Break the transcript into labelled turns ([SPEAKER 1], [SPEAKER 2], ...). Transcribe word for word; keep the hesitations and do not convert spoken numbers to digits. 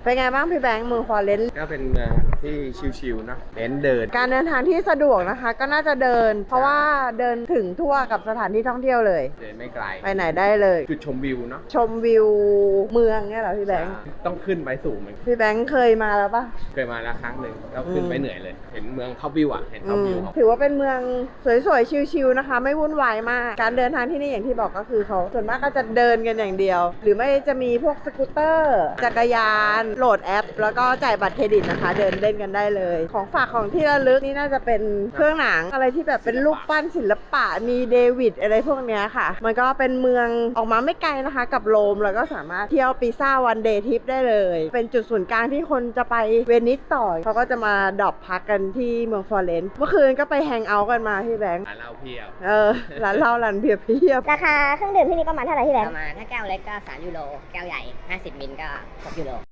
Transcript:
[SPEAKER 1] เป็นไงบ้างพี่แบงค์เมืองฟลอเรนซ์
[SPEAKER 2] ก็เป็นเมืองที่ชิลๆเนอะเน้นเดิน
[SPEAKER 1] การเดินทางที่สะดวกนะคะ ก็น่าจะเดิน เพราะว่าเดินถึงทั่วกับสถานที่ท่องเที่ยวเลย
[SPEAKER 2] เดินไม่ไกล
[SPEAKER 1] ไปไหนได้เลย
[SPEAKER 2] จุดชมวิวเนาะ
[SPEAKER 1] ชมวิวเมืองเนี่ยเหรอพี่แบงค์
[SPEAKER 2] ต้องขึ้นไปสูงเหมือน
[SPEAKER 1] พี่แบงค์เคยมาแล้วปะ
[SPEAKER 2] เคยมาแล้วครั้งหนึ่งแล้วขึ้นไปเหนื่อยเลย เห็นเมืองท็อปวิวอ่ะเห็นท็อปวิวของ
[SPEAKER 1] ถือว่าเป็นเมืองสวยๆชิลๆนะคะ ไม่วุ่นวายมาก การเดินทางที่นี่อย่างที่บอกก็คือเขาส่วนมากก็จะเดินกันอย่างเดียว หรือไม่จะมีพวกสกูตเตอร์จักรยานโหลดแอป แล้วก็จ่ายบัตรเครดิตนะคะ เดินเล่นกันได้เลย ของฝากของที่ระลึกนี่น่าจะเป็นเครื่องหนังอะไรที่แบบเป็นรูปปั้นศิลปะมีเดวิดอะไรพวกเนี้ยค่ะ มันก็เป็นเมืองออกมาไม่ไกลนะคะ กับโรมแล้วก็สามารถเที่ยวปิซ่าวันเดย์ทริปได้เลย เป็นจุดศูนย์กลางที่คนจะไปเวนิสต่อเขาก็จะมาดรอปพักกันที่เมืองฟลอเรนซ์เมื่อคืนก็ไปแฮงเอาท์กันมาพี่แบงค์
[SPEAKER 2] ร้านเหล้าเพียบ
[SPEAKER 1] เออร้านเหล้าร้านเบียร์เพียบ
[SPEAKER 3] ราคาเครื่องดื่มที่นี่ประมาณเท่าไหร่พี่แบง
[SPEAKER 4] ป
[SPEAKER 3] ค์
[SPEAKER 4] ระมาณถ้าแก้วเล็กก็สามยูโรแก้วใหญ่ห้าสิบมิลก็หกยูโร